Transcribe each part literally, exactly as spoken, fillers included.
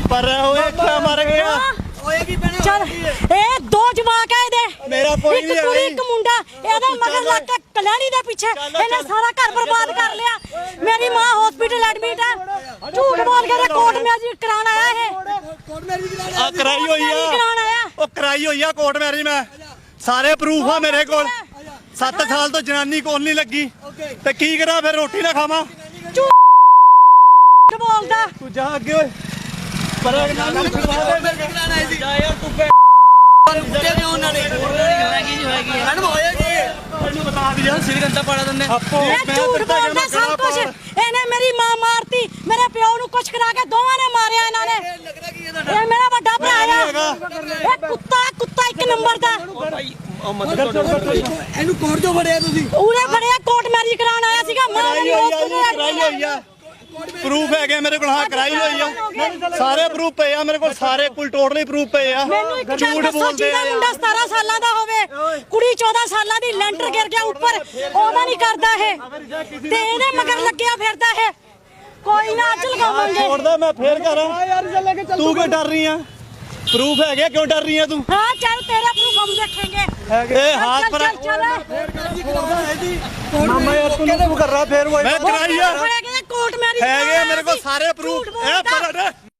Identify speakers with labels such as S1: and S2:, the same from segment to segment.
S1: पर ओए क्या मर गया
S2: चल ए दो जवाक है दे
S1: मेरा कोई नहीं
S2: है एक मुंडा एदा मगर लग के कल्याणी दे पीछे इन्हें सारा घर बर्बाद कर लिया। मेरी मां हॉस्पिटल एडमिट है, झूठ बोल के कोर्ट मैरिज कराना आया है।
S1: आ कराई होई है ओ कराई होई है कोर्ट मैरिज में सारे प्रूफ है मेरे कोल। सत्त साल तो जनानी कोल नहीं लगी ते की करा फिर रोटी ना खावा
S2: झूठ बोलदा
S1: तू जा अगे ओए पर ना छुड़वा दे जा यार तू कुत्ते ने उन्होंने हैगी जी हैगी मैडम होया की तन्नू बता दिया श्रीगंधा पड़ा तन्ने
S2: मैं झूठ बोलदा सब कुछ इन्हें मेरी मां मारती मेरे प्यो नु कुछ करा के दोवां ने मारया इन्होंने। ये मेरा बड़ा भरा है ये कुत्ता कुत्ता एक नंबर दा
S3: ਇਹਨੂੰ ਕੋਰਟ ਤੋਂ ਫੜਿਆ ਤੁਸੀਂ
S2: ਉਹਨੇ ਫੜਿਆ ਕੋਰਟ ਮੈਰਿਜ ਕਰਾਉਣ ਆਇਆ ਸੀਗਾ ਮਾਂ ਮੇਰੀ
S1: कराई होई है प्रूफ है मेरे को हाँ कराई हुई है सारे प्रूफ पे है मेरे को सारे कुल टोटली प्रूफ पे है झूठ बोलते हैं
S2: मुंडा सत्रह साल ਦਾ ਹੋਵੇ ਕੁੜੀ चौदह ਸਾਲਾਂ ਦੀ ਲੈਂਟਰ ਗਿਰ ਗਿਆ ਉੱਪਰ ਉਹਦਾ ਨਹੀਂ ਕਰਦਾ ਹੈ ਤੇ ਇਹਦੇ ਮਗਰ ਲੱਗਿਆ ਫਿਰਦਾ ਹੈ। ਕੋਈ ਨਾ ਅੱਜ ਲਗਾਵਾਂਗੇ
S1: छोड़दा मैं फिर करा तू क्यों डर रही है प्रूफ है क्या क्यों डर रही है तू
S2: हाँ चल तेरा प्रूफ हम देखेंगे
S1: ए हाथ पर
S3: ਮਾਮਾ ਯਾਰ ਤੂੰ ਕਿਉਂ ਕਰ ਰਹਾ ਫੇਰ ਉਹ
S1: मैं कराई है
S2: कोर्ट मैरिज
S1: है गए मेरे को सारे प्रूफ ए पर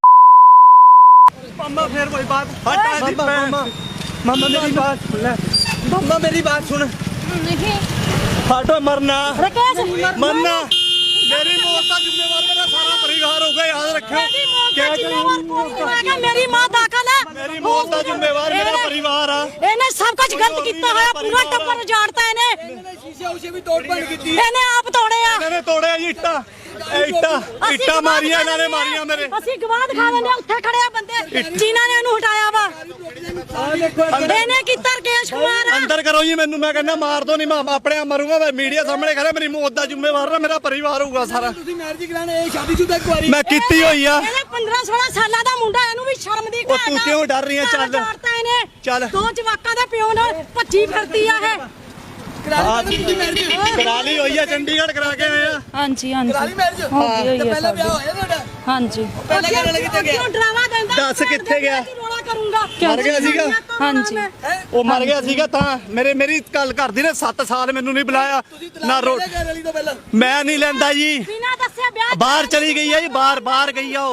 S3: ਮਾਮਾ ਫੇਰ ਕੋਈ ਬਾਤ
S1: हटा दी
S3: ਮਾਮਾ ਮਾਮਾ ਮੇਰੀ ਬਾਤ ਸੁਣ ਲੈ ਮਾਮਾ ਮੇਰੀ ਬਾਤ ਸੁਣ
S2: नहीं
S1: हटो मरना
S2: राकेश
S1: मरना मेरी मौत का जिम्मेवार मेरा सारा परिवार होगा याद रखियो
S2: क्या जिम्मेवार पूरी निभाएगा। मेरी मां दाखिल है
S1: मेरी मौत का जिम्मेवार मेरा परिवार है
S2: ਇਹਨੇ ਸਭ ਕੁਝ ਗਲਤ ਕੀਤਾ ਹੋਇਆ ਪੂਰਾ ਟੱਬਰ ਉਜਾੜਤਾ ਇਹਨੇ
S3: ਸ਼ੀਸ਼ੇ ਉਸੇ ਵੀ ਤੋੜ ਭੰਨ ਕੀਤੀ
S2: ਇਹਨੇ ਆਪ ਤੋੜਿਆ
S1: मैंने तोड़े जी इट्टा इट्टा इट्टा मारिया इन्होंने मारिया मेरे
S2: ਅਸੀਂ ਗਵਾਹ ਦਿਖਾ ਦਿੰਦੇ ਉੱਥੇ ਖੜੇ ਆ ਬੰਦੇ ਜਿਨ੍ਹਾਂ ਨੇ ਇਹਨੂੰ ਹਟਾਇਆ ਵਾ ਇਹਨੇ ਕੀਤਾ ਰਕੇਸ਼ ਕੁਮਾਰ
S1: अंदर करो जी मैनू मैं कहना मार दो नहीं मैं अपने आप मरूंगा मैं मीडिया सामने खड़ा मेरी मौत का जिम्मेवार ना मेरा परिवार होगा सारा
S3: ਤੁਸੀਂ ਮੈਰਿਜ ਕਰਾਣੇ ਇਹ ਸ਼ਾਦੀशुदा ਕੁਆਰੀ
S1: मैं कीती हुई है
S2: ਇਹਨੇ पंद्रह सोलह ਸਾਲਾਂ ਦਾ ਮੁੰਡਾ ਇਹਨੂੰ ਵੀ ਸ਼ਰਮ ਦੀ
S1: ਉਹ ਤੂੰ ਕਿਉਂ ਡਰ ਰਹੀ ਹੈ? ਚੱਲ।
S2: ਇਹਨੇ
S1: ਚੱਲ।
S2: ਦੋ ਜਵਾਕਾਂ ਦੇ ਪਿਓ ਨਾਲ ਭੱਜੀ ਫਿਰਦੀ ਆ ਇਹ
S1: करा ली हुई है चंडीगढ़ करा के आए हैं
S4: हाँ जी हाँ जी
S3: ਕਰਾਲੀ ਮੈਰਿਜ
S4: हो गई हुई
S3: ਤੇ
S4: है
S3: ਪਹਿਲਾਂ
S4: शादी।
S3: ਵਿਆਹ ਹੋਇਆ ਤੁਹਾਡਾ
S4: हाँ जी
S3: ਪਹਿਲਾਂ ਕਿਹੜੇ ਲੱਗੇ ਤੇ ਗਿਆ
S2: ਕਿਉਂ ਡਰਾਵਾ ਦਿੰਦਾ
S1: ਦੱਸ ਕਿੱਥੇ ਗਿਆ?
S2: ਰੋਲਾ ਕਰੂੰਗਾ
S1: ਮਰ ਗਿਆ ਸੀਗਾ
S4: हाँ जी
S1: ਉਹ ਮਰ ਗਿਆ ਸੀਗਾ ਤਾਂ ਮੇਰੇ ਮੇਰੀ ਗੱਲ ਕਰਦੀ ਨੇ ਸੱਤ ਸਾਲ ਮੈਨੂੰ ਨਹੀਂ ਬੁਲਾਇਆ ਨਾ ਰੋ
S3: ਕਰਾਲੀ ਤੋਂ ਪਹਿਲਾਂ
S1: ਮੈਂ ਨਹੀਂ ਲੈਂਦਾ ਜੀ
S2: ਬਿਨਾਂ ਦੱਸਿਆ ਵਿਆਹ
S1: ਬਾਹਰ ਚਲੀ ਗਈ ਹੈ ਜੀ ਬਾਹਰ ਬਾਹਰ ਗਈ ਆ ਉਹ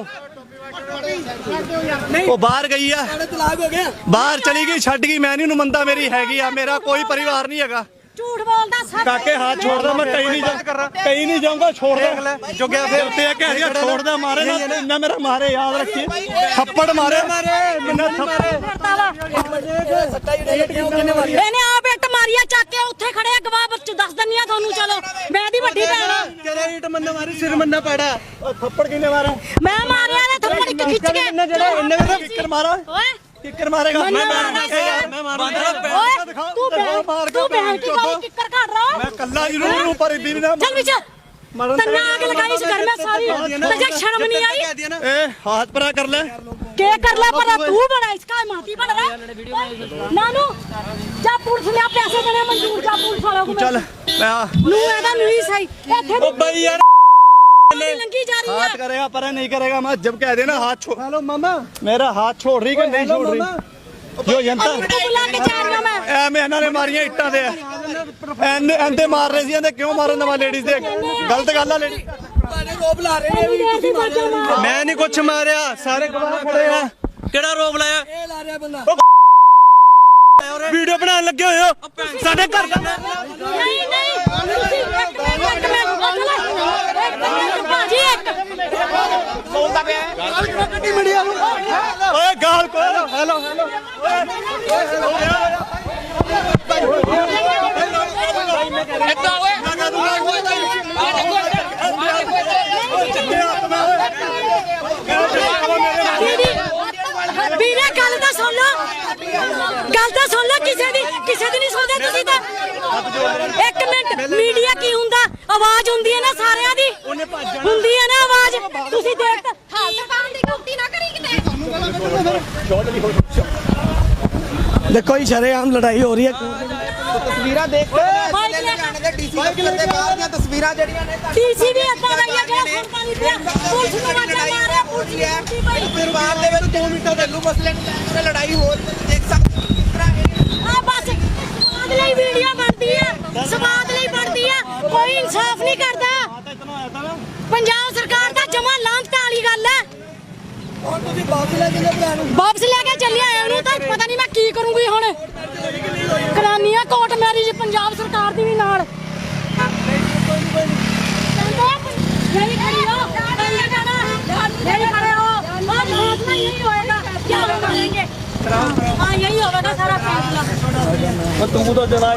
S1: ਉਹ ਬਾਹਰ ਗਈ ਆ
S3: ਤੁਹਾਡਾ ਤਲਾਕ ਹੋ ਗਿਆ
S1: ਬਾਹਰ ਚਲੀ ਗਈ ਛੱਡ ਗਈ ਮੈਂ ਨਹੀਂ ਨੂੰ ਮੰਦਾ ਮੇਰੀ ਹੈਗੀ ਆ ਮੇਰਾ ਕੋਈ ਪਰਿਵਾਰ ਨਹੀਂ ਹੈਗਾ
S2: ਝੂਠ ਬੋਲਦਾ ਸਭ
S1: ਕਾਕੇ हाथ छोड़ दो मैं कहीं नहीं जा कहीं नहीं जाऊंगा छोड़ दो जो गया फिर ते कह दिया छोड़ दे मारे ना इन्ना मेरा मारे याद रखिए थप्पड़ मारे मारे इन्ना थप्पड़
S2: ਕਰਦਾ ਵਾ
S3: ਸੱਟਾ ਜਿਹੜੇ ਕਿਉਂ ਕਿੰਨੇ ਮਾਰੀ
S2: ਇਹਨੇ ਆਪ ਇੱਟ ਮਾਰੀਆ ਚੱਕ ਕੇ ਉੱਥੇ ਖੜੇ ਆ ਗਵਾਹ ਬੱਚ ਦੱਸ ਦੰਨੀਆਂ ਤੁਹਾਨੂੰ ਚਲੋ ਮੈਂ ਦੀ ਵੱਡੀ ਭੈਣ ਆ
S3: ਕਿਹੜਾ ਇੱਟ ਮੰਨਾ ਮਾਰੀ ਸਿਰ ਮੰਨਾ ਪੜਾ
S1: थप्पड़ किने मारा
S2: ਮੈਂ ਮਾਰਿਆ ਨੇ ਥੱਪੜ ਇੱਕ ਖਿੱਚ ਕੇ
S1: ਜਿਹੜਾ ਇੰਨੇ ਦਾ ਕਿੱਕਰ ਮਾਰਾ
S2: ਓਏ
S1: ਕਿੱਕਰ ਮਾਰੇਗਾ
S2: मैं मारूंगा।
S1: मैं मारूंगा
S2: ਓਏ ਤੂੰ ਬਹਿ ਤੂੰ ਬਹਿ ਕੇ ਕੋਈ ਕਿੱਕਰ ਘੜ ਰਹਾ
S1: मैं कल्ला जरूर हूं पर इदी ना
S2: चल पीछे तन्ना आग लगाई इस घर में सारी तुझे शर्म नहीं आई
S1: ए हाथ परा कर ले
S2: के कर ले पर तू बड़ा इसका माती बन रहा नानू जा पुलिस ने पैसे देने मंजूर जा पुलिस वालों को
S1: चल मैं आ
S2: नू एदा नहीं सही इथे
S1: ओ भाई यार
S2: लंगी जा रही
S1: हाथ
S2: है
S1: करेगा पर नहीं करेगा मैं जब कह देना हाथ छोड़
S3: हेलो मामा
S1: मेरा हाथ छोड़ रही कि नहीं छोड़ रही जो जनता
S2: बुला के जा रही हूं मैं
S1: ਐ ਮੈਂ ਇਹਨਾਂ ਨੇ ਮਾਰੀਆਂ ਇੱਟਾਂ ਦੇ ਐਂਦੇ ਐਂਦੇ ਮਾਰ ਰਹੇ ਸੀ ਇਹਦੇ ਕਿਉਂ ਮਾਰਨ ਦਵਾ ਲੇਡੀਜ਼ ਦੇ ਗਲਤ ਗੱਲ ਆ ਲੇਡੀ
S3: ਤੁਹਾਡੇ ਰੋਬ ਲਾ ਰਹੇ ਨੇ ਵੀ ਤੁਸੀਂ ਮਾਰਿਆ
S1: ਮੈਂ ਨਹੀਂ ਕੁਛ ਮਾਰਿਆ ਸਾਰੇ ਗਵਾਹ ਖੜੇ ਆ
S5: ਕਿਹੜਾ ਰੋਬ ਲਾਇਆ
S3: ਇਹ ਲਾ ਰਿਹਾ ਬੰਦਾ
S1: ਵੀਡੀਓ ਬਣਾਉਣ ਲੱਗੇ ਹੋਏ ਹੋ ਸਾਡੇ ਘਰ ਦਾ
S2: नहीं नहीं ਤੁਸੀਂ ਇੱਕ ਮਿੰਟ ਇੱਕ ਮਿੰਟ ਇੱਕ ਮਿੰਟ ਭਾਜੀ ਇੱਕ
S1: ਬੋਲਦਾ ਪਿਆ ਗੱਡੀ ਮੀਡੀਆ ਨੂੰ ਓਏ ਗਾਲ ਕੋ ਹੈਲੋ ਹੈਲੋ
S5: ਇੱਦਾਂ ਓਏ
S2: ਵੀਰੇ ਗੱਲ ਤਾਂ ਸੁਣ ਲਓ ਗੱਲ ਤਾਂ ਸੁਣ ਲਓ ਕਿਸੇ ਦੀ ਕਿਸੇ ਦੀ ਨਹੀਂ ਸੁਣਦੇ ਤੁਸੀਂ ਤਾਂ ਇੱਕ ਮਿੰਟ ਮੀਡੀਆ ਕੀ ਹੁੰਦਾ ਆਵਾਜ਼ ਹੁੰਦੀ ਹੈ ਨਾ ਸਾਰਿਆਂ ਦੀ ਹੁੰਦੀ ਹੈ ਨਾ ਆਵਾਜ਼ ਤੁਸੀਂ ਦੇਖ ਹਾਲਤ ਕਾਰਨ ਦੀ ਗਲਤੀ ਨਾ ਕਰੀ ਕਿਤੇ
S3: देखो ही शरेआम लड़ाई हो रही है
S6: ਤਸਵੀਰਾਂ ਦੇਖ ਕੇ ਜਾਣੇ ਦੇ ਡੀਸੀ ਦਫ਼ਤਰ ਦੇ ਬਾਹਰ ਦੀਆਂ ਤਸਵੀਰਾਂ ਜਿਹੜੀਆਂ ਨੇ
S2: ਡੀਸੀ ਵੀ ਅੱਦਾ ਰਹੀ ਹੈ ਜਿਹੜਾ ਸੁਣਦਾ ਨਹੀਂ ਪਿਆ ਪੁਲਿਸ ਨੂੰ ਵਾਜਾ ਮਾਰਿਆ ਪੁਲਿਸ ਨੇ
S6: ਪਰਿਵਾਰ ਦੇ ਦੋ ਮਿੰਟਾਂ ਦੇ ਲੂ ਮਸਲੇ ਨੂੰ ਲੈ ਕੇ ਲੜਾਈ ਹੋ ਰਹੀ ਹੈ ਦੇਖ ਸਕਦੇ ਹੋ ਕਿਸ ਤਰ੍ਹਾਂ ਇਹ
S2: ਆ ਬਸ ਸਵਾਦ ਲਈ ਵੀਡੀਓ ਬਣਦੀ ਆ, ਸਵਾਦ ਲਈ ਬਣਦੀ ਆ, ਕੋਈ ਇਨਸਾਫ ਨਹੀਂ ਕਰਦਾ। ਪੰਜਾਬ ਸਰਕਾਰ ਦਾ ਜਮਾ ਲਾਂਘਤਾ ਵਾਲੀ ਗੱਲ ਹੈ।
S3: ਹੁਣ ਤੁਸੀਂ ਵਾਪਸ ਲੈ ਕੇ ਭਰਾ ਨੂੰ
S2: ਵਾਪਸ ਲੈ ਕੇ ਚੱਲਿਆ ਉਹਨੂੰ ਤਾਂ ਪਤਾ ਨਹੀਂ ਮੈਂ ਕੀ ਕਰੂੰਗੀ ਹੁਣ। ਕਰਾਨੀਆਂ ਕੋਰਟ ਮੈਰਿਜ ਪੰਜਾਬ ਸਰਕਾਰ ਦੀ ਵੀ ਨਾਲ ਨਹੀਂ ਖੜੀ ਹੋ ਨਹੀਂ ਜਾਣਾ ਨਹੀਂ ਖੜੇ ਹੋ ਉਹ ਲਾਜ਼ਮੀ यही होएगा क्या हम करेंगे हाँ यही होगा सारा फैसला
S3: ਤੂੰ ਤਾਂ ਚਲਾ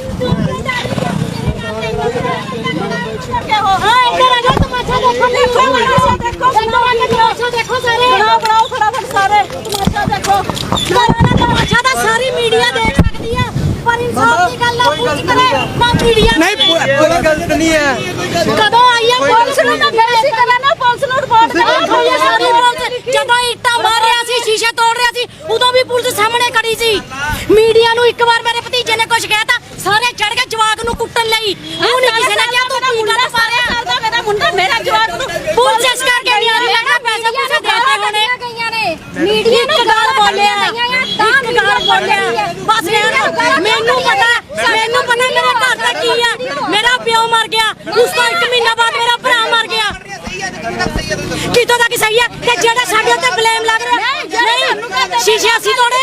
S2: हाँ इधर आ जाओ तमाशा देखो तमाशा देखो सारे बनाओ बनाओ फटाफट सारे तमाशा देखो तमाशा तो सारी मीडिया देख सकती है पर इंसाफ की गल ना पूछ करे ना मीडिया
S3: ਨਹੀਂ ਕੋਈ ਗਲਤ ਨਹੀਂ ਹੈ
S2: कदों आई है पुलिस ਨੂੰ ਤਾਂ ਫਿਰ ਅਸੀਂ ਕਰਨਾ ਪੁਲਿਸ ਨੂੰ ਰਿਪੋਰਟ ਕਰਾਂਗੇ ਸਾਰੀ ਪੁਲਿਸ ਜਦੋਂ ਇੱਟਾਂ ਮਾਰ ਰਿਹਾ ਸੀ ਸ਼ੀਸ਼ੇ ਤੋੜ ਰਿਹਾ ਸੀ ਉਦੋਂ ਵੀ ਪੁਲਿਸ ਸਾਹਮਣੇ ਖੜੀ ਸੀ। ਮੀਡੀਆ ਨੂੰ ਇੱਕ ਵਾਰ ਮੇਰੇ ਭਤੀਜੇ ਨੇ ਕੁਝ ਕਹਿਤਾ ਸਾਰੇ ਚੜ ਕੇ ਜਵਾਕ ਨੂੰ ਕੁੱਟਣ ਲਈ ਉਹ ਨਹੀਂ ਕਿਸੇ ਨੇ ਕਿਹਾ ਤੂੰ ਕੀ ਗੱਲ ਪਾ ਰਿਹਾ ਕਰਦਾ ਮੇਰਾ ਮੁੰਡਾ ਮੇਰਾ ਜਵਾਕ ਨੂੰ ਪੁਲਿਸ ਇਸ ਕਰਕੇ ਨਹੀਂ ਆ ਰਹੀ ਮੈਂ ਪੈਸੇ ਪੂਸੇ ਦੇਤੇ ਹੋਣੇ ਗਈਆਂ ਨੇ ਮੀਡੀਆ ਨੂੰ ਗਾਲ ਬੋਲਿਆ ਇੱਕ ਗਾਲ ਬੋਲਿਆ ਬਸ ਯਾਰ ਮੈਨੂੰ ਪਤਾ ਮੈਨੂੰ ਪਤਾ ਮੇਰੇ ਘਰ ਦਾ ਕੀ ਆ ਮੇਰਾ ਪਿਓ ਮਰ ਗਿਆ ਉਸ ਤੋਂ ਇੱਕ ਮਹੀਨਾ ਬਾਅਦ ਮੇਰਾ ਭਰਾ ਮਰ ਗਿਆ
S6: ਸਹੀ ਹੈ ਤੇ ਕਿਹੜਾ ਸਹੀ ਹੈ ਤੁਸੀਂ ਦੱਸੋ
S2: ਕਿਤੋਂ ਤੱਕ ਸਹੀ ਹੈ ਤੇ ਜਿਹੜਾ ਸਾਡੇ ਉੱਤੇ ਬਲੇਮ ਲੱਗ ਰਿਹਾ ਨਹੀਂ ਸ਼ੀਸ਼ੇ ਅਸੀਂ ਤੋੜੇ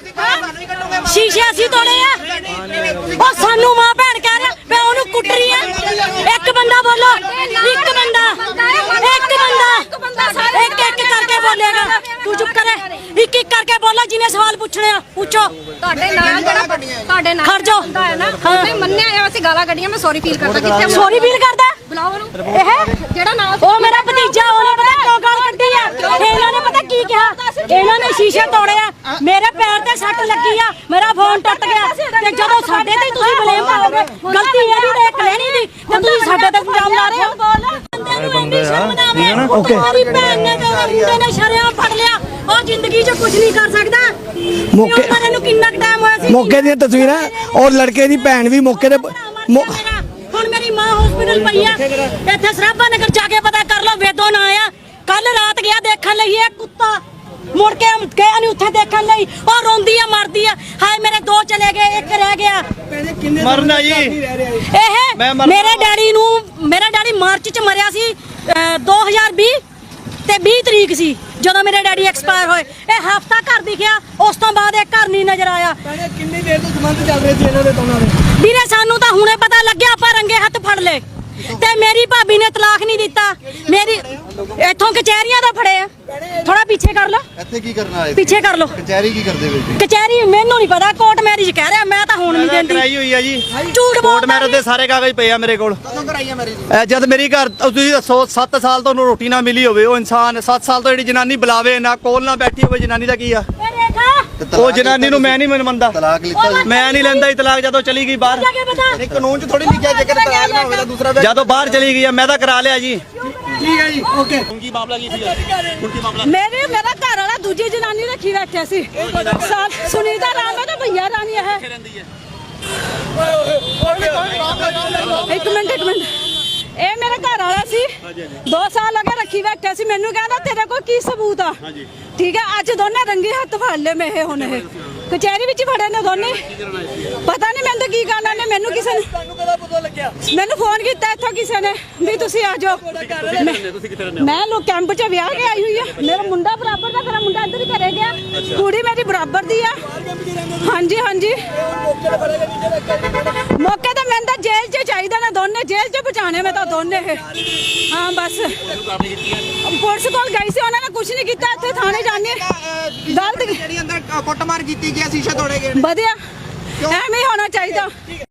S2: ਆ ਸ਼ੀਸ਼ੇ ਅਸੀਂ ਤੋੜੇ ਆ ਉਹ ਸਾਨੂੰ ਮਾਂ ਭੈਣ ਕਹਿ ਰਿਹਾ ਮੈਂ ਉਹਨੂੰ ਕੁੱਟ ਰਹੀ ਆ ਇੱਕ ਬੰਦਾ ਬੋਲੋ ਇੱਕ ਬੰਦਾ ਇੱਕ ਬੰਦਾ ਇੱਕ ਇੱਕ ਕਰਕੇ ਬੋਲੇਗਾ ਤੂੰ ਚੁੱਪ ਕਰੇ ਇੱਕ ਇੱਕ ਕਰਕੇ ਬੋਲੋ ਜਿਹਨੇ ਸਵਾਲ ਪੁੱਛਣੇ ਆ ਪੁੱਛੋ
S4: ਤੁਹਾਡੇ ਨਾਲ ਜਿਹੜਾ ਤੁਹਾਡੇ ਨਾਲ
S2: ਖੜ ਜਾਓ
S4: ਹੁੰਦਾ ਹੈ ਨਾ ਉਹਨੇ ਮੰਨਿਆ ਆ ਅਸੀਂ ਗਾਲਾਂ ਕੱਢੀਆਂ ਮੈਂ ਸੌਰੀ ਫੀਲ ਕਰਦਾ ਕਿੱਥੇ
S2: ਸੌਰੀ ਫੀਲ ਕਰਦਾ
S4: ਬੁਲਾਓ ਉਹਨੂੰ
S2: ਇਹ
S4: ਜਿਹੜਾ ਨਾਲ
S2: ਉਹ ਮੇਰਾ ਭਤੀਜਾ ਉਹਨੇ ਪਤਾ ਕਿਉਂ ਗਾਲ ਕੱਢੀ ਆ ਇਹਨਾਂ ਨੇ ਪਤਾ ਕੀ ਕਿਹਾ ਇਹਨਾਂ ਨੇ ਸ਼ੀਸ਼ੇ ਤੋੜੇ ਆ ਮੇਰੇ ਪੈਰ ਤੇ ਸੱਟ ਲੱਗੀ ਆ ਮੇਰਾ ਫੋਨ ਟੁੱਟ ਗਿਆ ਤੇ ਜਦੋਂ ਸਾਡੇ ਤੇ ਤੁਸੀਂ ਬਲੇਮ ਪਾਓਗੇ ਗਲਤੀ ਇਹਦੀ ਤੇ ਇੱਕ ਲੈਣੀ ਦੀ ਤੇ ਤੁਸੀਂ ਸਾਡੇ ਤੇ ਇਲਜ਼ਾਮ ਲਾ ਰਹੇ ਹੋ ਬੰਦੇ ਨੂੰ ਇੰਨੀ ਸ਼ਰਮ ਨਾ ਆਵੇ ਓਕੇ ਮੇਰੀ ਭੈਣ ਨੇ ਤੇ ਉਹਦੇ ਮੁੰਡੇ ਨੇ ਸ਼ਰਿਆਂ ਫੜ ਲਿਆ ਉਹ ਜ਼ਿੰਦਗੀ 'ਚ ਕੁਝ ਨਹੀਂ ਕਰ ਸਕਦਾ
S3: ਮੌਕੇ-
S2: ਮੌਕੇ ਨੂੰ ਕਿੰਨਾ ਟਾਈਮ ਹੋਇਆ ਸੀ
S3: ਮੌਕੇ ਦੀਆਂ ਤਸਵੀਰਾਂ ਔਰ ਲੜਕੇ ਦੀ ਭੈਣ ਵੀ ਮੌਕੇ ਤੇ ਮੌ-
S2: ਹੁਣ ਮੇਰੀ ਮਾਂ ਹਸਪੀਟਲ ਪਈ ਆ ਇੱਥੇ ਸਰਾਭਾ ਨਗਰ ਜਾ ਕੇ ਪਤਾ ਕਰ ਲਓ ਵੇਦੋਂ ਨਾ ਆਇਆ ਕੱਲ ਰਾਤ ਗਿਆ ਦੇਖਣ ਲਈ ਇਹ ਕੁੱਤਾ ਮੁੜ ਕੇ ਗਿਆ ਨਹੀਂ ਉੱਥੇ ਦੇਖਣ ਲਈ ਉਹ ਰੋਂਦੀ ਆ ਮਰਦੀ ਆ ਹਾਏ ਮੇਰੇ ਦੋ ਚਲੇ ਗਏ ਇੱਕ ਰਹਿ ਗਿਆ
S1: ਮਰਨਾ ਜੀ
S2: ਇਹ
S1: ਮੈਂ ਮਰ-
S2: ਮੇਰੇ ਡੈਡੀ ਨੂੰ ਮੇਰਾ ਡੈਡੀ ਮਾਰਚ ਚ ਮਰਿਆ ਸੀ ਅਹ, ਦੋ ਹਜ਼ਾਰ ਵੀਹ ਤੇ ਵੀਹ ਤਰੀਕ ਸੀ ਜਦੋਂ ਮੇਰੇ ਡੈਡੀ ਐਕਸਪਾਇਰ ਹੋਏ ਇਹ ਹਫਤਾ ਘਰ ਦਿਖਿਆ ਉਸ ਤੋਂ ਬਾਅਦ ਇਹ ਘਰ ਨਹੀਂ ਨਜ਼ਰ ਆਇਆ
S3: ਕਿੰਨੀ ਦੇਰ ਤੋਂ ਸੰਬੰਧ ਚੱਲ ਰਹੇ ਸੀ ਇਹਨਾਂ ਦੇ ਦੋਨਾਂ ਦੇ
S2: ਵੀਰੇ ਸਾਨੂੰ ਤਾਂ ਹੁਣੇ ਪਤਾ ਲੱਗਿਆ ਆਪਾਂ ਰੰਗੇ ਹੱਥ ਫੜ ਲਏ ਤੇ ਮੇਰੀ ਭਾਬੀ ਨੇ ਤਲਾਕ ਨਹੀਂ ਦਿੱਤਾ ਮੇਰੀ ਇੱਥੋਂ ਕਚਹਿਰੀਆਂ ਦਾ ਫੜੇ ਆ ਥੋੜਾ ਪਿੱਛੇ ਕਰ ਲਓ
S7: ਇੱਥੇ ਕੀ ਕਰਨਾ ਆਏ
S2: ਪਿੱਛੇ ਕਰ ਲਓ
S7: ਕਚਹਿਰੀ ਕੀ ਕਰਦੇ ਵੇ ਜੀ
S2: ਕਚਹਿਰੀ ਮੈਨੂੰ ਨਹੀਂ ਪਤਾ ਕੋਰਟ ਮੈਰਿਜ ਕਹਿ ਰਿਹਾ ਮੈਂ ਤਾਂ ਹੁਣ ਨਹੀਂ ਦਿੰਦੀ
S1: ਕਰਾਈ ਹੋਈ ਆ ਜੀ
S2: ਝੂਠ
S1: ਕੋਰਟ
S2: ਬੋਲਦਾ
S1: ਮੈਰਿਜ ਦੇ ਸਾਰੇ ਕਾਗਜ਼ ਪਏ ਆ ਮੇਰੇ ਕੋਲ
S6: ਕਦੋਂ ਕਰਾਈ ਹੈ ਮੇਰੀ
S1: ਇਹ ਜਦ ਮੇਰੀ ਘਰ ਤੁਸੀਂ ਦੱਸੋ ਸੱਤ ਸਾਲ ਤੋਂ ਉਹਨੂੰ ਰੋਟੀ ਨਾ ਮਿਲੀ ਹੋਵੇ ਉਹ ਇਨਸਾਨ ਸੱਤ ਸਾਲ ਤੋਂ ਜਿਹੜੀ ਜਨਾਨੀ ਬੁਲਾਵੇ ਨਾ ਕੋਲ ਨਾ ਬੈਠੀ ਹੋਵੇ ਜਨਾਨੀ ਦਾ ਕੀ ਆ
S2: ਇਹ ਰੇਖਾ
S1: ਉਹ ਜਨਾਨੀ ਨੂੰ ਮੈਂ ਨਹੀਂ ਮੰਨਦਾ
S7: ਤਲਾਕ ਲਿੱਤਾ ਜੀ
S1: ਮੈਂ ਨਹੀਂ ਲੈਂਦਾ ਇਤਲਾਕ ਜਦੋਂ ਚਲੀ ਗਈ ਬਾਹਰ
S2: ਜਾ ਕੇ ਪਤਾ
S6: ਨਹੀਂ ਕਾਨੂੰਨ 'ਚ ਥੋੜੀ ਲਿਖਿਆ ਜੇਕਰ ਤਲਾਕ ਨਾ ਹੋਵੇ ਤਾਂ ਦੂਸਰਾ ਵਿਆਹ
S1: ਜਦੋਂ ਬਾਹਰ ਚਲੀ ਗਈ ਆ ਮੈਂ ਤਾਂ ਕਰਾ ਲਿਆ ਜੀ
S3: ਠੀਕ ਹੈ ਜੀ ਓਕੇ
S2: ਮੇਰੇ ਮੇਰਾ ਘਰ ਵਾਲਾ ਦੂਜੀ ਜਨਾਨੀ ਰੱਖੀ ਬੈਠਿਆ ਸੀ ਸਾ- ਸੁਨੀਤਾ ਰਾਮ ਹੈ ਤੇ ਭਈਆ ਰਾਣੀ ਹੈ ਇੱਕ ਮਿੰਟ ਇੱਕ ਮਿੰਟ ਇਹ ਮੇਰਾ ਘਰ ਵਾਲਾ ਸੀ ਦੋ ਸਾਲ ਹੋ ਗਏ ਰੱਖੀ ਬੈਠਿਆ ਸੀ ਮੈਨੂੰ ਕਹਿੰਦਾ ਤੇਰੇ ਕੋਲ ਕੀ ਸਬੂਤ ਆ ਠੀਕ ਹੈ ਅੱਜ ਦੋਨੇ ਰੰਗੇ ਹੱਥ ਫੜ ਲਏ ਮੈਂ ਇਹ ਹੁਣ ਇਹ ਕਚਹਿਰੀ ਵਿੱਚ ਫੜੇ ਨੇ ਦੋਨੇ ਪਤਾ ਨਹੀਂ ਮੈਨੂੰ ਤਾਂ ਕੀ ਕਰਨਾ ਨੇ ਮੈਨੂੰ ਕਿਸੇ ਨੇ
S3: ਤੁਹਾਨੂੰ ਕਦਾ ਪਤਾ ਲੱਗਿਆ
S2: ਮੈਨੂੰ ਫੋਨ ਕੀਤਾ ਇੱਥੋਂ ਕਿਸੇ ਨੇ ਵੀ ਤੁਸੀਂ ਆ ਜਾਓ ਮੈਂ- ਮੈਂ ਲੋ ਕੈਂਪ 'ਚ ਵਿਆਹ ਕੇ ਆਈ ਹੋਈ ਆ ਮੇਰਾ ਮੁੰਡਾ ਬਰਾਬਰ ਦਾ ਮੇਰਾ ਮੁੰਡਾ ਇੱਧਰ ਹੀ ਘਰੇ ਗਿਆ ਕੁੜੀ ਮੇਰੀ ਬਰਾਬਰ ਦੀ ਆ ਹਾਂਜੀ ਹਾਂਜੀ ਮੌਕੇ ਤੇ ਮੈਨੂੰ ਤਾਂ ਜੇਲ੍ਹ 'ਚ ਚਾਹੀਦਾ ਨਾ ਦੋਨੇ ਜੇਲ੍ਹ 'ਚ ਪਹੁੰਚਾਣੇ ਮੈਂ ਤਾਂ ਦੋਨੇ ਇਹ ਹਾਂ ਬਸ ਪੁਲਿਸ ਕੋਲ ਗਈ ਸੀ ਉਹਨਾਂ ਨੇ ਕੁਝ ਨਹੀਂ ਕੀਤਾ ਇੱਥੇ ਥਾਣੇ ਜਾਣੇ ਗਲਤ
S6: ਜਿਹੜੀ ਅੰਦਰ ਕੁੱਟਮਾਰ ਕੀਤੀ ਗਿਆ ਸ਼ੀਸ਼ੇ ਤੋੜੇ ਗਏ
S2: ਵਧਿਆ ਐਵੇਂ ਹੀ ਹੋਣਾ ਚਾਹੀਦਾ